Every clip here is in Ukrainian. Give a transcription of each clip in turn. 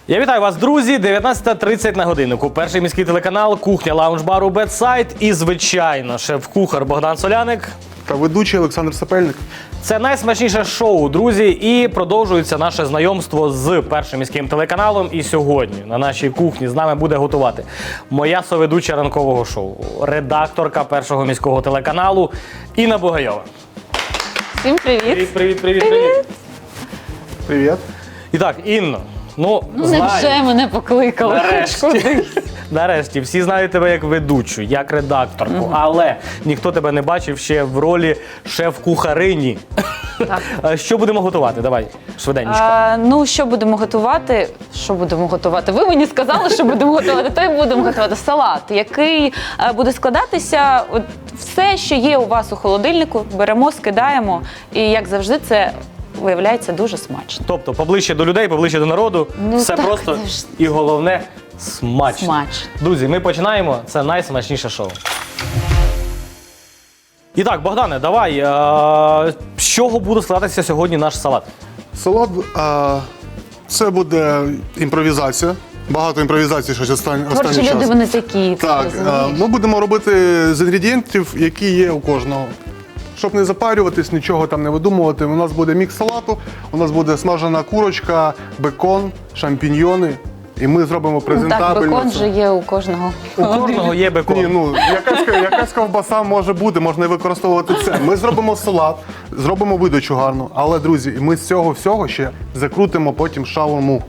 Я вітаю вас, друзі! 19:30 на годиннику. Перший міський телеканал, кухня лаунж-бару Бедсайд і, звичайно, шеф-кухар Богдан Соляник. Та ведучий Олександр Сапельник. Це найсмачніше шоу, друзі, і продовжується наше знайомство з першим міським телеканалом. І сьогодні на нашій кухні з нами буде готувати моя соведуча ранкового шоу, редакторка першого міського телеканалу Інна Бугайова. Всім привіт! Привіт! Привіт. І так, Інно, Невже мене покликали? Нарешті. Нарешті, всі знають тебе як ведучу, як редакторку, але ніхто тебе не бачив ще в ролі шеф-кухарині. Так. Що будемо готувати? Давай, швиденько. Що будемо готувати? Ви мені сказали, що будемо готувати, то й будемо готувати салат, який буде складатися, от все, що є у вас у холодильнику, беремо, скидаємо, і, як завжди, це виявляється дуже смачно. Тобто, поближче до людей, поближче до народу, все так, просто завжди. і головне – смачно. Смачно. Друзі, ми починаємо, це найсмачніше шоу. І так, Богдане, давай, з чого буде складатися сьогодні наш салат? Салат це буде імпровізація. Багато імпровізацій, щось останній Творчі час. люди, вони такі. Так, ми будемо робити з інгредієнтів, які є у кожного. Щоб не запарюватись, нічого там не видумувати. У нас буде мікс салату, у нас буде смажена курочка, бекон, шампіньйони. І ми зробимо презентабельно. Так, бекон це. же є у кожного. У кожного є бекон. Ні, якась ковбаса може бути, можна і використовувати це. Ми зробимо салат, зробимо видачу гарну, але, друзі, ми з цього всього ще закрутимо потім шаурму.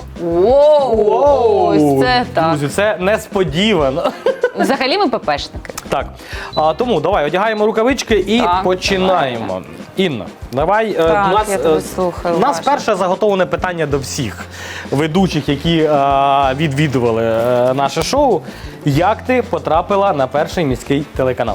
Ось це так. Друзі, це несподівано. Взагалі ми ППшники. Так, тому давай одягаємо рукавички і Так, починаємо. Інна, давай. Так, я тебе слухаю у нас уважно. перше заготовлене питання до всіх ведучих, які відвідували наше шоу. Як ти потрапила на перший міський телеканал?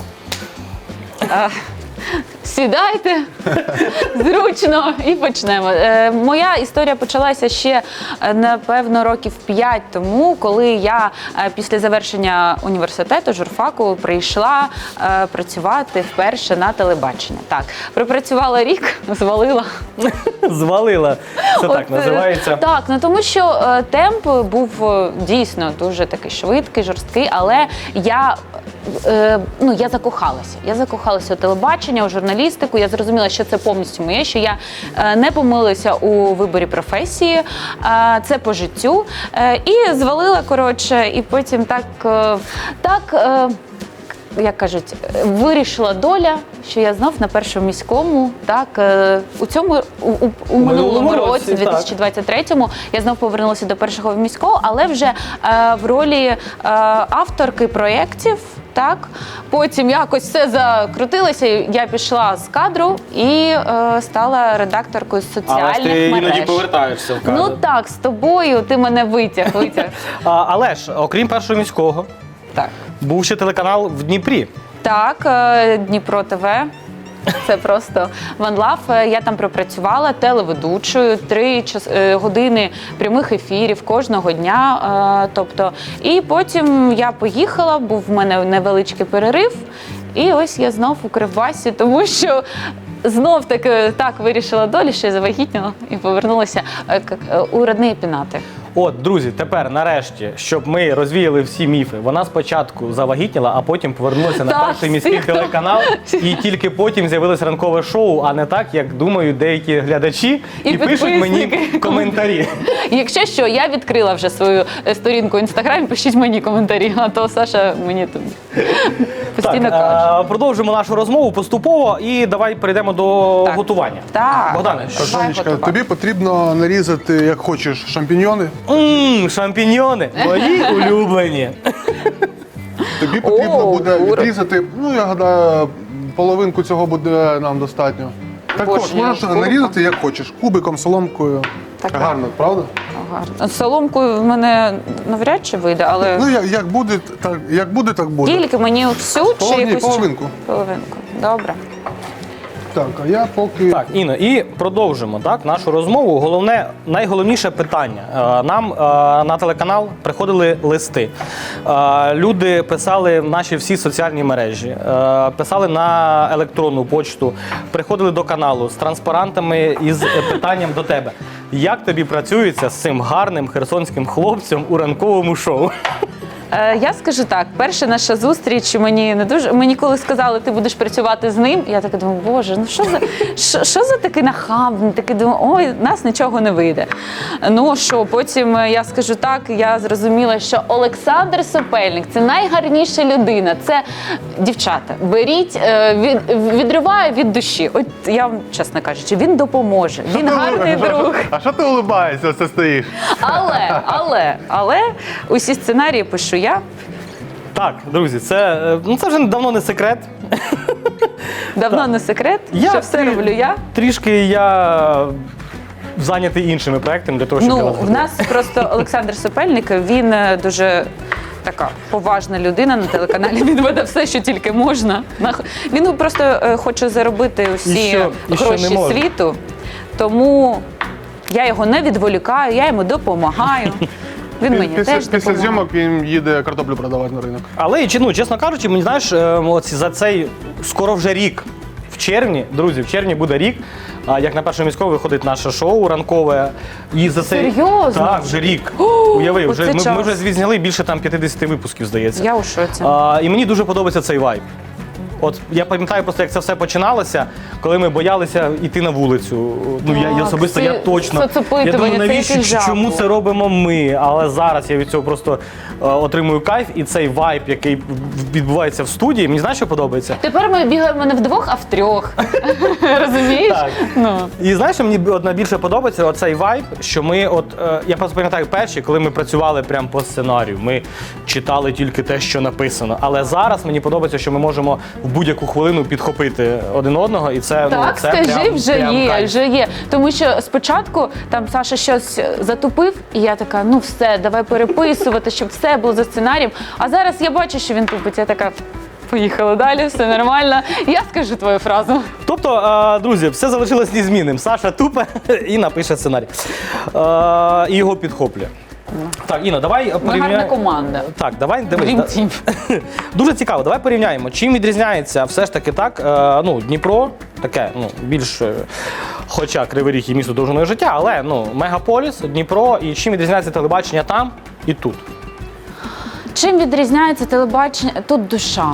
Сідайте зручно і почнемо. Моя історія почалася ще, напевно, років 5 тому, коли я після завершення університету, журфаку, прийшла працювати вперше на телебачення. Так, пропрацювала рік, звалила. Звалила. Це так називається. Так, тому що темп був дійсно дуже такий швидкий, жорсткий, але я закохалася. Я закохалася у телебачення, у журналістику. Я зрозуміла, що це повністю моє, що я не помилилася у виборі професії, це по життю. І звалила, коротше, і потім як кажуть, вирішила доля, що я знов на першому міському, у минулому році, 2023-му, я знов повернулася до першого міського, але вже в ролі авторки проєктів. Так, потім якось все закрутилося, я пішла з кадру і стала редакторкою соціальних мереж. Але ти іноді повертаєшся в кадр. Ну так, з тобою ти мене витяг. Але ж, окрім першого міського, Так. був ще телеканал в Дніпрі. Так, Дніпро ТВ. Це просто One Love. Я там пропрацювала телеведучою 3 години прямих ефірів кожного дня. І потім я поїхала, був в мене невеличкий перерив. І ось я знов у Кривбасі, тому що знов-таки так вирішила доля, що я завагітніла і повернулася у родні пінати. От, друзі, тепер нарешті, щоб ми розвіяли всі міфи, вона спочатку завагітніла, а потім повернулася на перший міський телеканал, і тільки потім з'явилось ранкове шоу, а не так, як думають деякі глядачі, і пишуть мені коментарі. Якщо що, я відкрила вже свою сторінку в Інстаграмі, пишіть мені коментарі, а то Саша мені тут постійно каже. Продовжимо нашу розмову поступово і давай перейдемо до готування. Так. Богдане, що ж? Сонечка, тобі потрібно нарізати, як хочеш, шампіньйони. Шампіньйони, мої улюблені. Тобі потрібно буде відрізати, я гадаю, половинку цього буде нам достатньо. Також можеш нарізати, як хочеш, кубиком, соломкою. Так. Гарно, правда? Гарно. Соломкою в мене навряд чи вийде, але Як буде, так буде. тільки мені всю чи якусь Половинку. Половинку. Добре. Так, а я поки... Так, Інно, і продовжимо нашу розмову. Найголовніше питання. Нам на телеканал приходили листи. Люди писали в наші всі соціальні мережі, писали на електронну почту, приходили до каналу з транспарантами із питанням до тебе. Як тобі працюється з цим гарним херсонським хлопцем у ранковому шоу? Я скажу так, перша наша зустріч мені коли сказали, ти будеш працювати з ним, я така думаю, боже, ну що за такий нахабний, такий думаю, ой, нас нічого не вийде. Ну що, потім я скажу так, я зрозуміла, що Олександр Сопельник – це найгарніша людина, це дівчата, беріть, відриває від душі. От я вам, чесно кажучи, він допоможе, він гарний друг. А що ти улибаєшся, все стоїш? Але усі сценарії пишу я. Так, друзі, це вже давно не секрет. Давно не секрет, що все роблю я. Трішки я зайнятий іншими проектами для того, щоб я вас В нас просто Олександр Сопельник, він дуже така поважна людина на телеканалі. Він веде все, що тільки можна. Він просто хоче заробити усі гроші світу, тому я його не відволікаю, я йому допомагаю. Він мені теж Після допомагає. зйомок він їде картоплю продавати на ринок. Але, чесно кажучи, мені знаєш, за цей скоро вже рік, в червні, друзі, в червні буде рік, як на Першому міському виходить наше шоу ранкове. І за цей... Серйозно? Так, вже рік. Уяви, ми вже звізняли більше 50 випусків, здається. Я у шоці. І мені дуже подобається цей вайб. От я пам'ятаю просто, як це все починалося, коли ми боялися йти на вулицю. Я особисто, я точно. Я думаю, навіщо, чому це робимо ми? Але зараз я від цього просто отримую кайф, і цей вайб, який відбувається в студії, мені знаєш, що подобається? Тепер ми бігаємо не вдвох, а втрьох. Розумієш? Так. І знаєш, що мені найбільше подобається оцей вайб, що ми я просто пам'ятаю перші, коли ми працювали прямо по сценарію, ми читали тільки те, що написано. Але зараз мені подобається, що ми можемо в будь-яку хвилину підхопити один одного, і це так, це скажи, прям, вже прям є, кайф. вже є. Тому що спочатку там Саша щось затупив, і я така, ну все, давай переписувати, щоб все було за сценарієм. А зараз я бачу, що він тупить, я така, поїхали далі, все нормально. Я скажу твою фразу. Тобто, друзі, все залишилось незмінним. Саша тупе і напише сценарій. І його підхоплює. Так, Інна, давай порівняємо. Ми гарна команда. Так, давай дивись. Dream Team. Дуже цікаво, давай порівняємо. Чим відрізняється все ж таки так, Дніпро, таке, більш, хоча Кривий Ріг і місто довжиною життя, але, мегаполіс, Дніпро, і чим відрізняється телебачення там і тут? Чим відрізняється телебачення? Тут душа.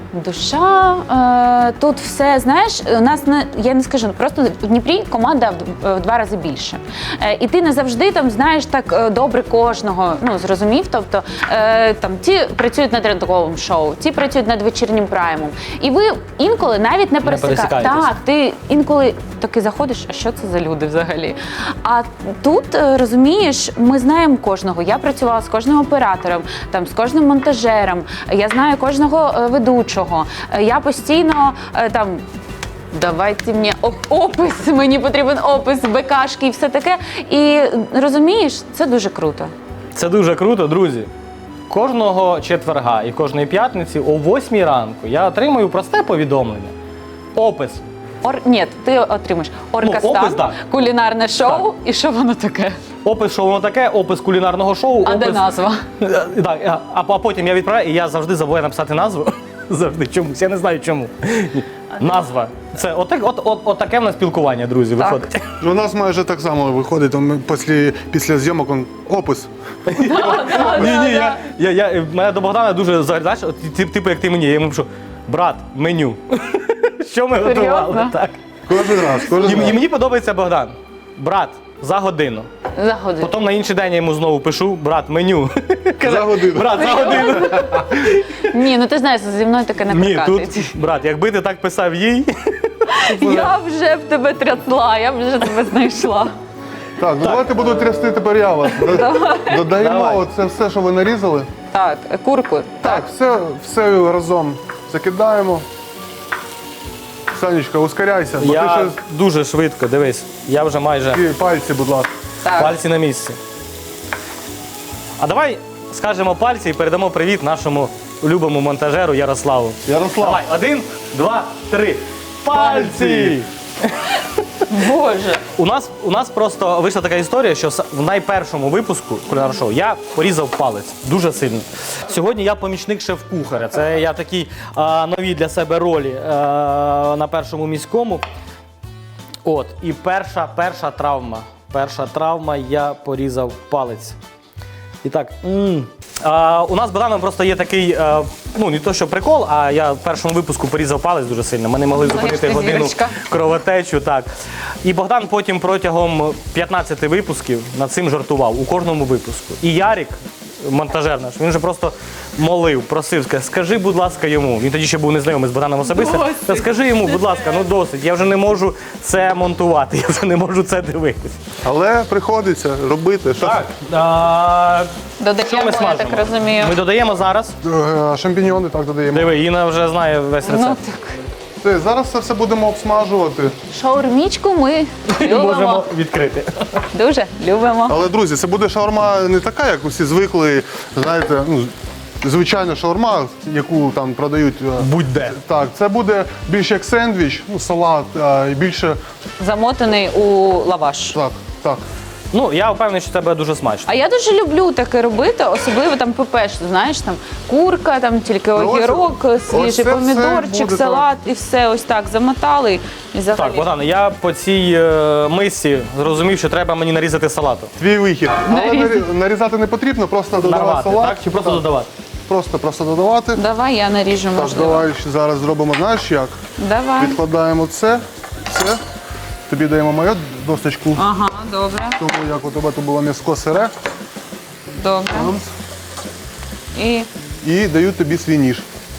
Тут все, знаєш, у нас я не скажу, просто в Дніпрі команда в 2 рази більше. І ти не завжди там знаєш так добре кожного, зрозумів, тобто там ті працюють над ранковим шоу, ті працюють над вечірнім праймом. І ви інколи навіть не пересікаєтесь. Так, ти інколи таки заходиш, а що це за люди взагалі? А тут, розумієш, ми знаємо кожного. Я працювала з кожним оператором, там, з кожним монтажером, я знаю кожного ведучого. Я постійно там, давайте мені потрібен опис, БКшки і все таке. І розумієш, це дуже круто. Це дуже круто, друзі. Кожного четверга і кожної п'ятниці о 8 ранку я отримую просте повідомлення. Опис. Ні, ти отримаєш Оркастан, опис, так. кулінарне шоу, і що воно таке? Опис, що воно таке, опис кулінарного шоу. А де назва? Так, а потім я відправляю, і я завжди забуваю написати назву. Завжди чомусь, я не знаю чому. Назва. Це отаке в нас спілкування, друзі, виходить. У нас майже так само виходить, після зйомок опис. Ні, мене до Богдана дуже знаєш, типу як ти мені, я йому пишу, брат, меню. Що ми готували? Так. Кожен раз. І мені подобається Богдан. Брат, за годину. За годину. Потім на інший день я йому знову пишу, брат, меню. За годину. Брат, за годину. Ні, ти знаєш, зі мною таке не Ні, прокатить. тут, брат, якби ти так писав їй. Я вже в тебе трясла, я вже тебе знайшла. Так, давайте буду трясти тепер я вас. Додаємо Давай. оце все, що ви нарізали. Так, курку. Так, все разом закидаємо. Санечка, ускоряйся, бо ти Я ще дуже швидко, дивись, я вже майже пальці, будь ласка. Так. пальці на місці. А давай скажемо пальці і передамо привіт нашому улюбленому монтажеру Ярославу. Ярослав. Давай, 1, 2, 3. Пальці! Боже. У нас просто вийшла така історія, що в найпершому випуску кулінарного шоу я порізав палець дуже сильно. Сьогодні я помічник шеф-кухаря. Це я такі нові для себе ролі на Першому міському. І перша травма. перша травма, я порізав палець. І так, у нас з Богданом просто є такий, ну не то що прикол, а я в першому випуску порізав палець дуже сильно. Ми не могли зупинити як годину зірочка. кровотечу. Так. І Богдан потім протягом 15 випусків над цим жартував у кожному випуску. І Ярік, монтажер наш, він вже просто молив, просив, сказав, скажи, будь ласка, йому. Він тоді ще був незнайомий з Богданом особисто. Та скажи йому, будь ласка, ну досить, я вже не можу це монтувати, я вже не можу це дивитись. Але приходиться робити. Що Так. Що Додаємо, ми я смажимо? так розумію. Ми додаємо зараз. Шампіньйони так додаємо. Диви, Інна вже знає весь Ну, рецепт. так. Зараз це все будемо обсмажувати. Шаурмічку ми Можемо любимо. відкрити. Дуже любимо. Але, друзі, це буде шаурма не така, як усі звикли, знаєте, ну, звичайна шаурма, яку там продають. Будь-де. Так, це буде більше як сендвіч, ну, салат, і більше. Замотаний у лаваш. Так, так. Ну, я впевнений, що це буде дуже смачно. А я дуже люблю таке робити, особливо там ПП, що, знаєш, там курка, там тільки Ну, ось- огірок, ось свіжий це все помідорчик, буде салат і все ось так замотали. І взагалі. Так, Богдан, я по цій мисці зрозумів, що треба мені нарізати салату. Твій вихід. Але нарізати не потрібно, просто додавати Нарвати, салат. так? Чи просто додавати? Просто додавати. Давай я наріжу, Так, можливо. давай зараз зробимо, знаєш як? Давай. Відкладаємо це. Тобі даємо мою досточку, Ага, добре, тому як у тебе тут було м'яско сире. добре. І І даю тобі свій ніж.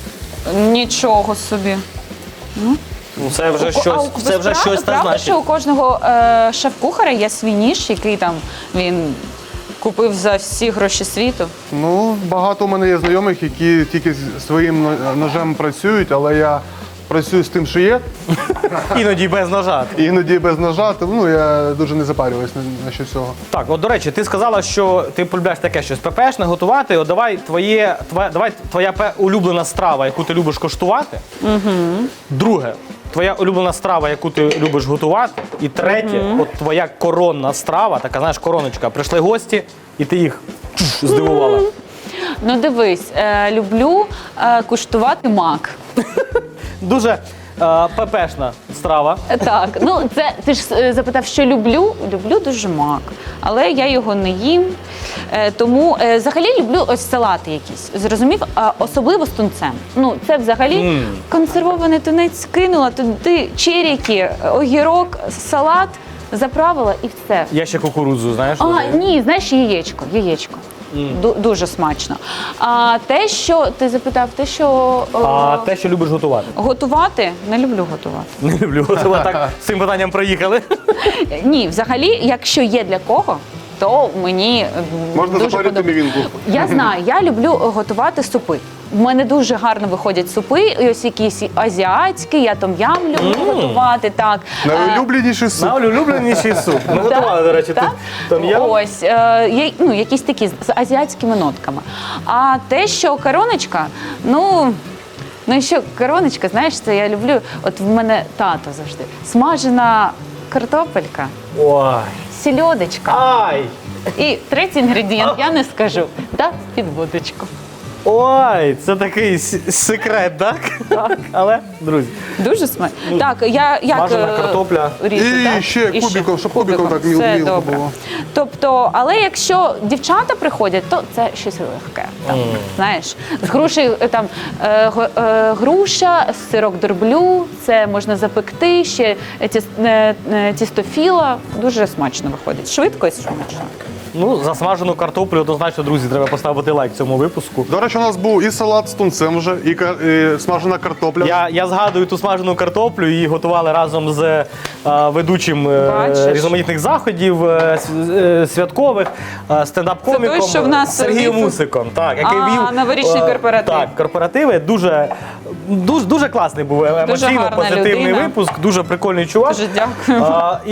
нічого собі. Ну, це вже щось та Правда, значить. що у кожного шеф-кухаря є свій ніж, який там він купив за всі гроші світу. Ну, багато у мене є знайомих, які тільки з своїм ножем працюють, але я працюю з тим, що є. Іноді без ножа. Іноді без ножа, тому ну, я дуже не запарююсь на що цього. Так, от до речі, ти сказала, що ти полюбляєш таке щось ППшне готувати. От давай твоя улюблена страва, яку ти любиш коштувати. Друге, твоя улюблена страва, яку ти любиш готувати. І третє, от твоя коронна страва, така, знаєш, короночка. Прийшли гості, і ти їх здивувала. Ну дивись, люблю куштувати мак. Дуже ППшна страва. Так, ну це ти ж запитав, що люблю. Люблю дуже мак, але я його не їм. Тому взагалі люблю ось салати якісь. Зрозумів? Особливо з тунцем. Ну це взагалі консервований тунець кинула, туди черіки, огірок, салат заправила і все. Я ще кукурудзу, знаєш? Ні, знаєш, яєчко. Дуже смачно. А те, що ти запитав, А те, що любиш готувати? готувати, не люблю готувати. Не люблю готувати. Так, з цим питанням проїхали. Ні, взагалі, якщо є для кого, то мені Можна дуже запарити подобається. мівінку. Я знаю, я люблю готувати супи. В мене дуже гарно виходять супи, і ось якісь азіатські, я том-ям люблю готувати. Так. Найулюбленіший суп. Найулюбленіший суп. Ми готували, до речі, Так? том-ям. Ось, якісь такі з азіатськими нотками. А те, що короночка, ну що короночка, знаєш, це я люблю. От в мене тато завжди. Смажена картопелька, Ой. сільодочка. Ай! І третій інгредієнт, я не скажу, да, під водочку. Ой, це такий секрет, так? Так. Але, друзі, Дуже смачно. Так, я як Смажена картопля. ріжу, І так? ще кубиком, щоб кубиком так Все мілко добре. було. Тобто, але якщо дівчата приходять, то це щось легке. Там, знаєш, з грушею там груша, сирок дорблю, це можна запекти, ще тістофіла. Дуже смачно виходить. Швидко і смачно. ну, за смажену картоплю однозначно, друзі, треба поставити лайк цьому випуску. До речі, у нас був і салат з тунцем вже, і смажена картопля. Я згадую ту смажену картоплю, її готували разом з ведучим Бачиш? різноманітних заходів, святкових, стендап-коміком Це той, що в нас Сергієм вів- Мусиком, так, який вів новорічний корпоратив. Так, корпоративи. Дуже класний був, емоційно гарна позитивний людина. випуск, дуже прикольний чувак. Дуже дякую.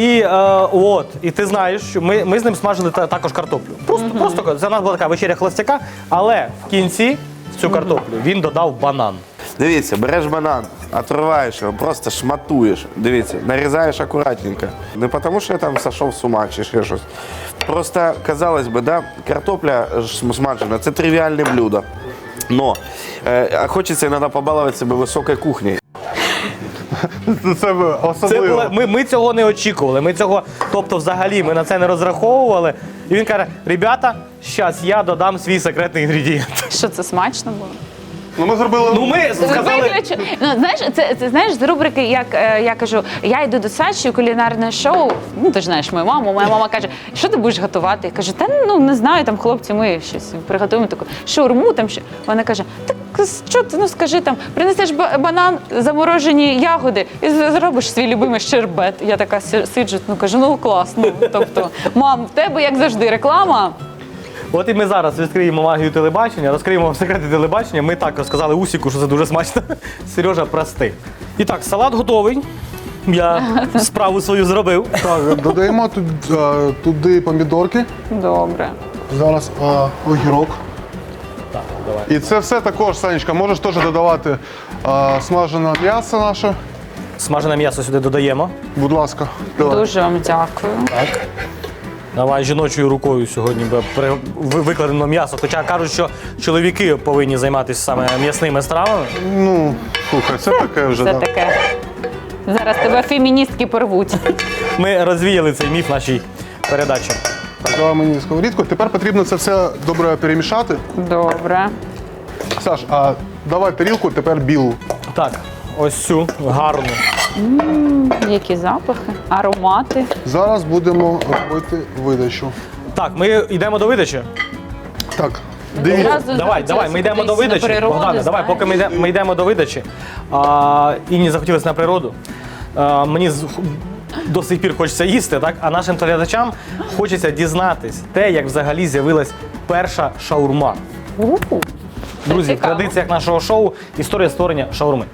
І ти знаєш, що ми з ним смажили також картоплю. Просто це у нас була така вечеря холостяка, але в кінці в цю картоплю він додав банан. Дивіться, береш банан, отриваєш його, просто шматуєш. Дивіться, нарізаєш акуратненько. Не тому, що я там сошов з ума чи ще щось. Просто, казалось би, да, картопля смажена – це тривіальне блюдо. Но хочеться іноді побалувати себе високою кухнею. Це особливо. Ми цього не очікували. Тобто, взагалі, ми на це не розраховували. І він каже: ребята, зараз я додам свій секретний інгредієнт. Що це смачно було? Ну, ми зробили. Ну, ми сказали. Виключу. Ну, знаєш, це знаєш з рубрики, як я кажу, я йду до Саші, кулінарне шоу. Ну, ти ж знаєш мою маму. Моя мама каже, що ти будеш готувати? Я кажу, та ну не знаю, там хлопці, ми щось приготуємо таку шаурму там що. Вона каже, так що ти, ну скажи там, принесеш банан, заморожені ягоди і зробиш свій любимий щербет. Я така сиджу, ну кажу, ну класно. Тобто, мам, в тебе як завжди реклама. От і ми зараз відкриємо магію телебачення, розкриємо вам секрети телебачення. Ми так розказали Усіку, що це дуже смачно. Сережа, прости. І так, салат готовий. Я справу свою зробив. Так, додаємо туди помідорки. Добре. Зараз огірок. Так, давай. І це все також, Санечка, можеш теж додавати смажене м'ясо наше. Смажене м'ясо сюди додаємо. Будь ласка. Давай. Дуже вам дякую. Так. Давай жіночою рукою сьогодні викладено м'ясо. Хоча кажуть, що чоловіки повинні займатися саме м'ясними стравами. Ну, слухай, це таке вже. Це Да. таке. Зараз тебе феміністки порвуть. Ми розвіяли цей міф в нашій передачі. Так, давай мені сковорідку. Тепер потрібно це все добре перемішати. Добре. Саш, а давай тарілку тепер білу. Так, ось цю гарну. Які запахи, аромати. Зараз будемо робити видачу. Так, ми йдемо до видачі. Так, дивіться. Одразу Давай, захотілося ми йдемо до кудись на видачі. природу, Богдане, давай, знаєш. поки ми йдемо до видачі. Інні захотілося на природу. Мені до сих пір хочеться їсти, так? А нашим глядачам хочеться дізнатись те, як взагалі з'явилась перша шаурма. Друзі, в цікаво. традиціях нашого шоу історія створення шаурми.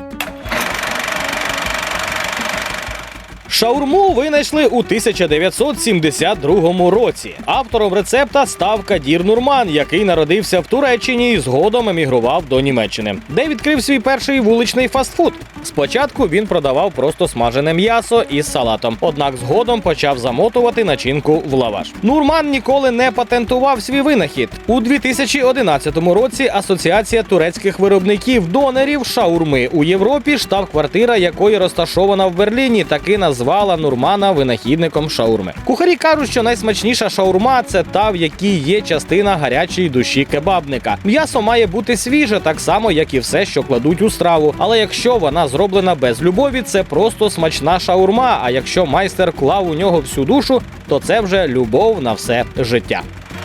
Шаурму винайшли у 1972 році. Автором рецепта став Кадір Нурман, який народився в Туреччині і згодом емігрував до Німеччини, де відкрив свій перший вуличний фастфуд. Спочатку він продавав просто смажене м'ясо із салатом, однак згодом почав замотувати начинку в лаваш. Нурман ніколи не патентував свій винахід. У 2011 році Асоціація турецьких виробників донорів шаурми у Європі, штаб-квартира якої розташована в Берліні, таки назвала Нурмана винахідником шаурми. Кухарі кажуть, що найсмачніша шаурма – це та, в якій є частина гарячої душі кебабника. М'ясо має бути свіже, так само, як і все, що кладуть у страву. Але якщо вона зроблена без любові, це просто смачна шаурма, а якщо майстер клав у нього всю душу, то це вже любов на все життя.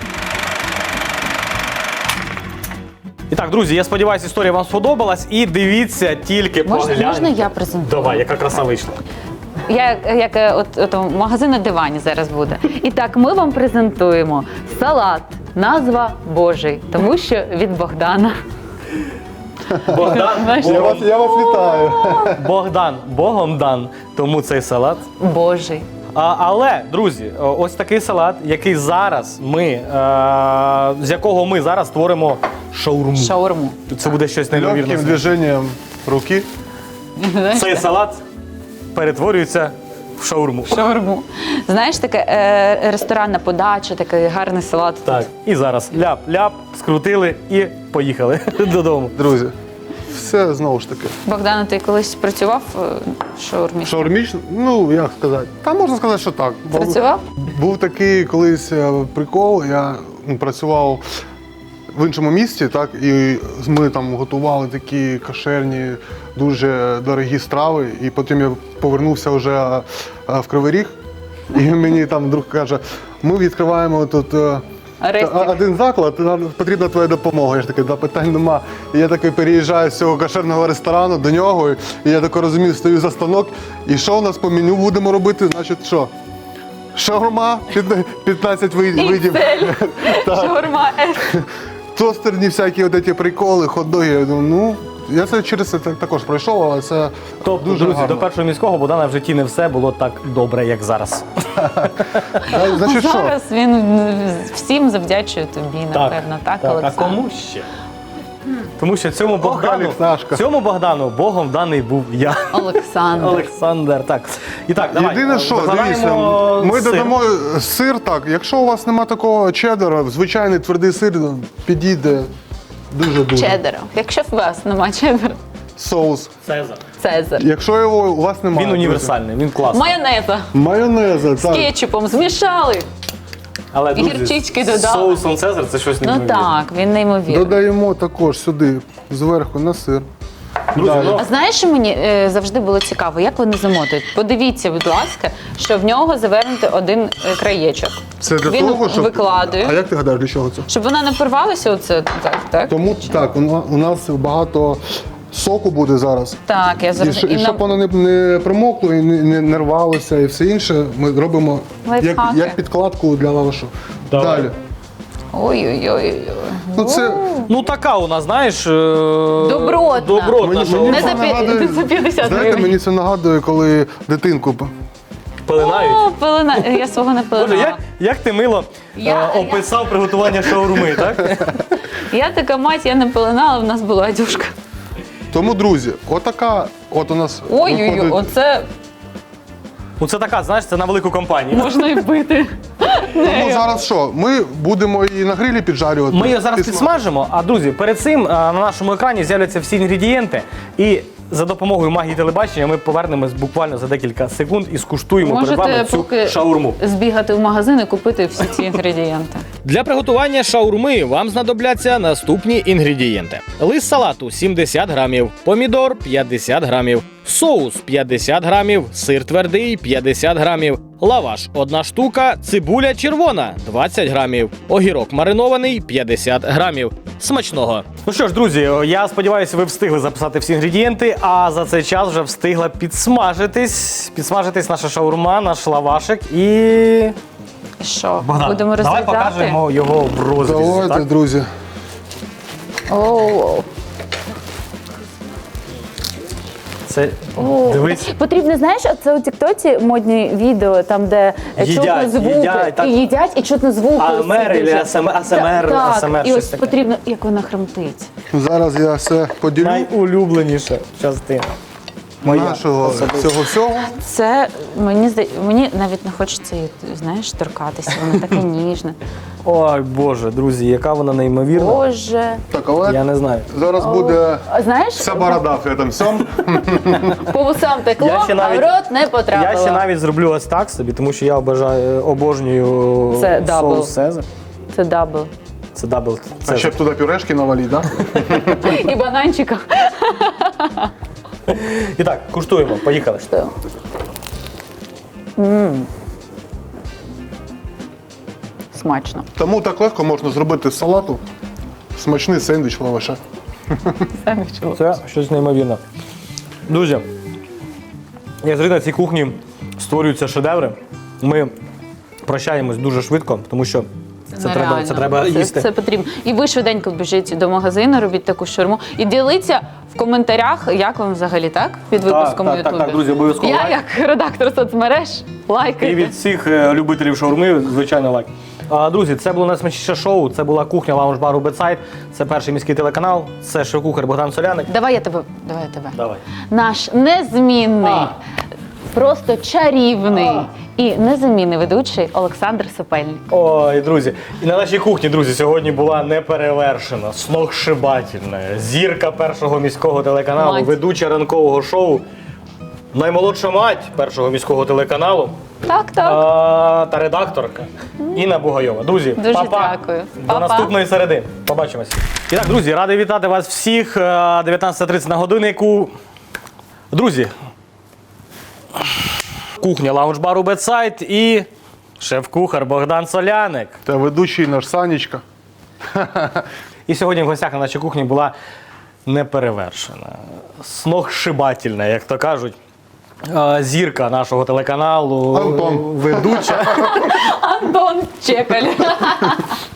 І так, друзі, я сподіваюся, історія вам сподобалась. І дивіться тільки Можна я презентую? Давай, яка краса вийшла. Як магазин на дивані зараз буде. І так, ми вам презентуємо салат. Назва Божий, тому що від Богдана. Богдан, Знаєш, Я вас вітаю. Богдан, Богом дан, тому цей салат. Божий. Але, друзі, ось такий салат, який зараз з якого ми зараз створимо шаурму. Шаурму. Це буде щось Легким неймовірне. движенням руки. Цей салат перетворюється в шаурму. Шаурму. Знаєш, таке ресторанна подача, такий гарний салат. Так, і зараз ляп-ляп, скрутили і поїхали додому. Друзі, все знову ж таки. Богдана, ти колись працював в шаурмі? Шаурмічно, ну як сказати. Та можна сказати, що так. Працював? Був такий колись прикол, я працював в іншому місті, так, і ми там готували такі кошерні, дуже дорогі страви, і потім я повернувся вже в Кривий Ріг, і мені там друг каже, ми відкриваємо тут Рестик. один заклад, нам потрібна твоя допомога. Я ж такий, да, питань нема. І я такий переїжджаю з цього кошерного ресторану до нього, і я тако розумію, стою за станок, і що у нас по меню будемо робити, значить що? Шаурма, 15 видів. Шаурма. Тостерні всякі от ці приколи, хот-доги. Я думаю, ну, я це через це також пройшов, але це Тобто, дуже друзі, гарно. до першого міського Богдана в житті не все було так добре, як зараз. Значить, що? Зараз він всім завдячує тобі, напевно, так, А Олександр? кому ще? Тому що цьому Олексашка. Богдану Богом даний був я. Олександр. Олександр. Так. І так, давай. Єдине, що, дивіться, викладаємо ми сир. додамо сир, так, якщо у вас немає такого чеддера, звичайний твердий сир підійде дуже-дуже. Чеддера. Якщо у вас немає чеддера. соус. Цезар. Цезар. Якщо його у вас немає. Він друзі. універсальний, він класний. Майонеза Майонеза, з так. кетчупом змішали. Але, друзі, гірчички з додали. соусом Цезар це щось Ну неймовірне. так, він неймовірний. Додаємо також сюди, зверху на сир. Друзі, Далі. ну, А знаєш, що мені завжди було цікаво, як вони замотують? Подивіться, будь ласка, що в нього завернути один краєчок. Це для Він того, щоб... викладує. А як ти гадаєш, для чого це? Щоб вона не порвалася, оце так? Тому так, у нас багато соку буде зараз. Так, я І, зрозуміла. щоб воно не промокло і не рвалося і все інше, ми робимо Лайфхаки. як підкладку для лавашу. Давай. Далі. Ой-ой-ой. Ну, це ну така у нас, знаєш, Добротна. добротна шаурма. Не за нагадує- за 50 знаєте, гривень. мені це нагадує, коли дитинку Пилинають. О, пелена. Я свого не Боже, пеленала. як ти мило описав приготування шаурми, так? Я така мать, я не пеленала, в нас була одюшка. Тому, друзі, отака от у нас Ой-ой-ой, виходить- оце Ну це така, знаєш, це на велику компанію. можна і бити. Тому зараз що? Ми будемо її на грилі піджарювати. Ми її зараз підсмажимо, а друзі, перед цим на нашому екрані з'являться всі інгредієнти. І за допомогою магії телебачення ми повернемось буквально за декілька секунд і скуштуємо перед Можете вами цю поки шаурму. збігати в магазин і купити всі ці інгредієнти. Для приготування шаурми вам знадобляться наступні інгредієнти: лист салату 70 грамів, помідор 50 грамів, соус 50 грамів, сир твердий 50 грамів, лаваш 1 штука, цибуля червона 20 грамів, огірок маринований 50 грамів. Смачного! Ну що ж, друзі, я сподіваюся, ви встигли записати всі інгредієнти, а за цей час вже встигла підсмажитись наша шаурма, наш лавашик і... І що, Богдан, будемо давай розглядати? покажемо його в розрізі. Давайте, Так? друзі. Оу. Це, дивись, Потрібно, знаєш, це у Тіктоці модні відео, там, де чутно звуки. їдять, так. І їдять, і чутно звуки. АСМР Дуже. или АСМР, Так, АСМР, і щось ось таке. потрібно, як вона хромтить. Зараз я все поділю найулюбленіша частина. нашого цього всього. Це, мені навіть не хочеться її, знаєш, торкатися, вона така ніжна. Ой, Боже, друзі, яка вона неймовірна. Боже. Так, але Я не знаю. зараз буде А знаєш, вся борода в цьому всьому. по вусам текло, Я ще а в навіть- рот не потрапило. Я ще навіть зроблю ось так собі, тому що я обожнюю Це дабл. соус Цезар. Це дабл. Це дабл А Цезар. ще б туди пюрешки наваліть, так? І бананчика. І так, куштуємо, поїхали. Смачно. Тому так легко можна зробити з салату смачний сендвіч лаваша. Це щось неймовірне. Друзі, як завжди на цій кухні створюються шедеври. Ми прощаємось дуже швидко, тому що це треба їсти. Це потрібно. І ви швиденько біжіть до магазину, робіть таку шаурму. І діліться в коментарях, як вам взагалі, так? Під випуском у Ютубі. так, друзі, обов'язково Я, лайк. як редактор соцмереж, І лайкайте. від всіх любителів шаурми, звичайно, лайк. Друзі, це було найсмачніше шоу, це була кухня лаунж-бару Бетсайд, це перший міський телеканал, це шеф-кухар Богдан Соляник. Давай я тебе. Давай. Наш незмінний, просто чарівний і незамінний ведучий Олександр Сопельник. Ой, друзі, і на нашій кухні, друзі, сьогодні була неперевершена, сногсшибательна зірка першого міського телеканалу, Мать. ведуча ранкового шоу, наймолодша мать першого міського телеканалу Так. та редакторка Інна Бугайова. Друзі, Дуже па-па. дякую. До Па-па. наступної середи. Побачимось. І так, друзі, радий вітати вас всіх. 19:30 на годиннику. Друзі, кухня лаунж-бару Бетсайд і шеф-кухар Богдан Соляник. Та ведучий наш Санечка. І сьогодні в гостях на нашій кухні була неперевершена, сногсшибательна, як то кажуть, зірка нашого телеканалу, Антон. ведуча. Антон Чекаль.